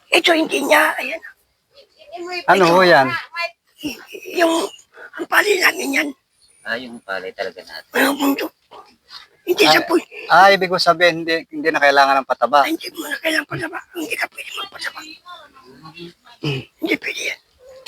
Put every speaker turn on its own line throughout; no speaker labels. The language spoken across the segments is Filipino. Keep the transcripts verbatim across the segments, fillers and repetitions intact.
Ito hindi niya, ayan.
Ano ho yan?
Y- yung, ang pali namin yan.
Ah, yung palay talaga natin.
Walang bundok. Hindi sa
Ay,
puy.
ah, ibig ko sabihin, hindi, hindi na kailangan ng pataba.
Ay, hindi mo na kailangan pasaba. Hindi ka pwede magpasaba. Hmm, hindi pwede yan.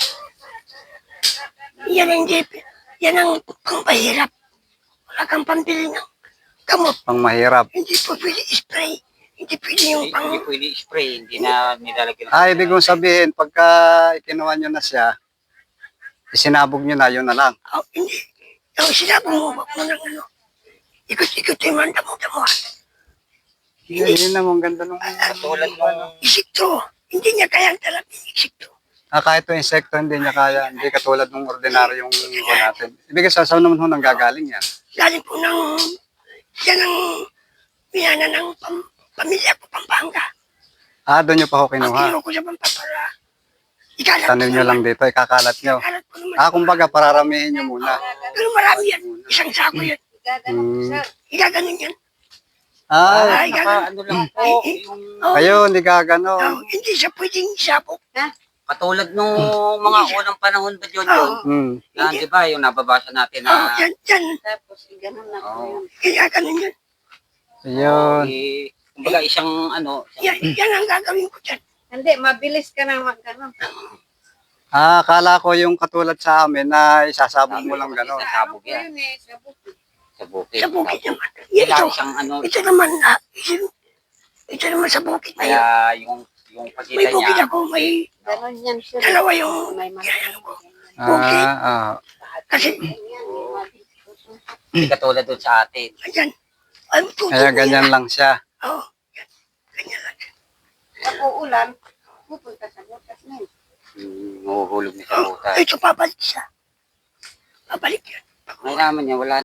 Yan ang hindi, yan ang pangpahirap. Wala kang pambili ng gamot.
Pang mahirap.
Hindi po pwede spray. Hindi pwede yung
Hindi,
pang...
hindi pwede spray, hindi na nilalagyan.
Ah, ibig kong sabihin, pagka ikinuha nyo na siya, isinabog nyo na, yun na lang.
Oh, hindi. Yung sinabi mo, wag mo nang ano. Ikot-ikot yung mga damo-damo.
Yun, yun naman, ganda nung...
Tulad nung
Isikto. Hindi niya kayang talap yung isikto.
Ah, kahit yung insekto, hindi niya kaya, hindi katulad ng ordinaryong ko natin. Ibig sa saan naman ho nang gagaling yan?
Galing po ng... Yan ang... Minana ng pam, pamilya ko, Pampanga.
Ah, doon nyo pa ho
Ang
kinuha.
kilo ko sa Pampapara. Ikalat
Tanim nyo lang dito, ikakalat nyo.
Ikalat ko naman.
Ah, kumbaga, pararamihin nyo muna.
Pero marami yan. Isang sako yan.
Hmm.
Igaganon yan.
Ah,
Ay,
naka
ganun.
ano lang po, yung
Oh,
ayun, hindi gagano.
oh, hindi siya pwedeng isabok.
katulad nung mga unang panahon ba yun yun?
Hmm.
Yan, di ba, yung nababasa natin
Oh,
na
yan, yan.
Tapos, ganun na po
Oo.
yun.
Kaya ganun yan.
Ayun.
eh, kumbaga isang ano,
Yan, yan ang gagawin ko dyan.
Hindi, mabilis ka na mag-ano.
Ah, akala ko yung katulad sa amin na isasabog mo lang gano'n.
Sabog
Ano po
yan.
yun eh, sa bukid.
Sa bukid.
Sa bukid naman. Yan
Kaya
ito.
isang ano,
Ito naman, ah, ito, ito naman sa bukid na yun.
kaya yung yung
May
pagitan
bukid
niya,
ako, may
Ganun yan siya.
dalawa yung
May mga
yan ko.
Ah, ah.
Kasi,
hindi katulad doon sa atin.
ayan. Ang tutubo
Kaya ganyan lang siya.
Oo, oh, yan. Ganyan lang.
Pag uulan, pupunta sa butas na yun.
Hmm, mahuhulog niya sa
Oh,
butas.
ito, babalik siya. Babalik yan.
May naman niya, wala